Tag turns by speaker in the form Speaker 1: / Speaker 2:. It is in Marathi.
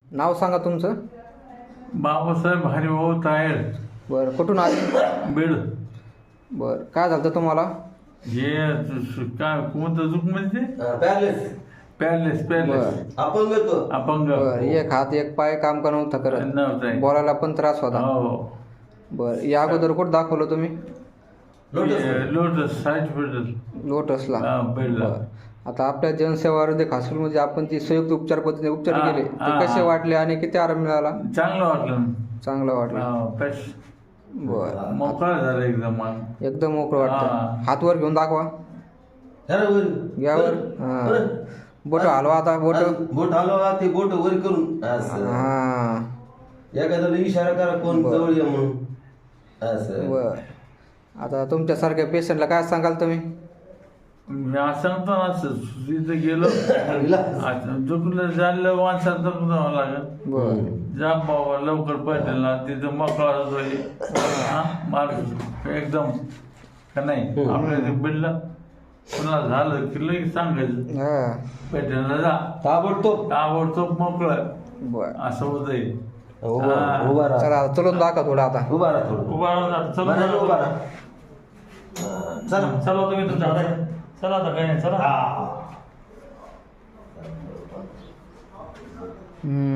Speaker 1: नाव सांगा तुमचं.
Speaker 2: बाबासाहेब हरिभाऊ तायर.
Speaker 1: बरं, कुठून आले?
Speaker 2: बीड.
Speaker 1: बरं, काय झालं तुम्हाला?
Speaker 2: हे काय कोणतं दुख म्हणजे
Speaker 3: पॅलेस
Speaker 2: पॅलेस पॅलेस
Speaker 3: अपंग तो
Speaker 2: अपंग.
Speaker 1: बरं, एक हात एक पाय काम का नव्हता करत,
Speaker 2: नव्हतं.
Speaker 1: बोलायला पण त्रास होता.
Speaker 2: हो.
Speaker 1: बरं, या अगोदर कुठं दाखवलं तुम्ही?
Speaker 2: Lotus hospital.
Speaker 1: लोटसला.
Speaker 2: बीडला.
Speaker 1: बरं. आता आपल्या जनसेवा आरोग्य हॉस्पिटलमध्ये आपण ती संयुक्त उपचार पद्धतीने उपचार केले, ते कसे वाटले आणि किती आराम मिळाला?
Speaker 2: चांगलं वाटलं.
Speaker 1: चांगलं वाटलं. बरं,
Speaker 2: मोकळा झाला एकदम.
Speaker 1: एकदम मोकळं वाटतं. हात वर घेऊन दाखवा. घ्यावर. हां, बोट हलवा आता. बोट
Speaker 3: हलवा, ते बोट वर करून असं.
Speaker 1: हां,
Speaker 3: एखाद्याला इशारा करा कोण जवळ ये म्हणून असं.
Speaker 1: बरं. आता तुमच्यासारख्या पेशंटला काय सांगाल तुम्ही?
Speaker 2: मी असं सांगतो ना, तिथं गेलो दुखलं झालं माणसाला दुखून जावं लागेल.
Speaker 1: बरं.
Speaker 2: जा बाबा लवकर पडेल ना, तिथं मोकळा होतोय माणूस एकदम का नाही. आपल्या ते बिडलं पुन्हा झालं की लगेच सांगायचं
Speaker 1: हां,
Speaker 2: पेटेलला जा, ताबडतोब मोकळं.
Speaker 1: बरं.
Speaker 2: असं होतंय.
Speaker 3: उभा राहा.
Speaker 1: चला चलून दाखवा थोडं आता.
Speaker 3: उभा राहा थोडं.
Speaker 2: उभा राहून चला
Speaker 3: म्हणाले उभा राहा. चला
Speaker 2: चला तुम्ही तुमच्या हातात. चला आता काय नाही. चला.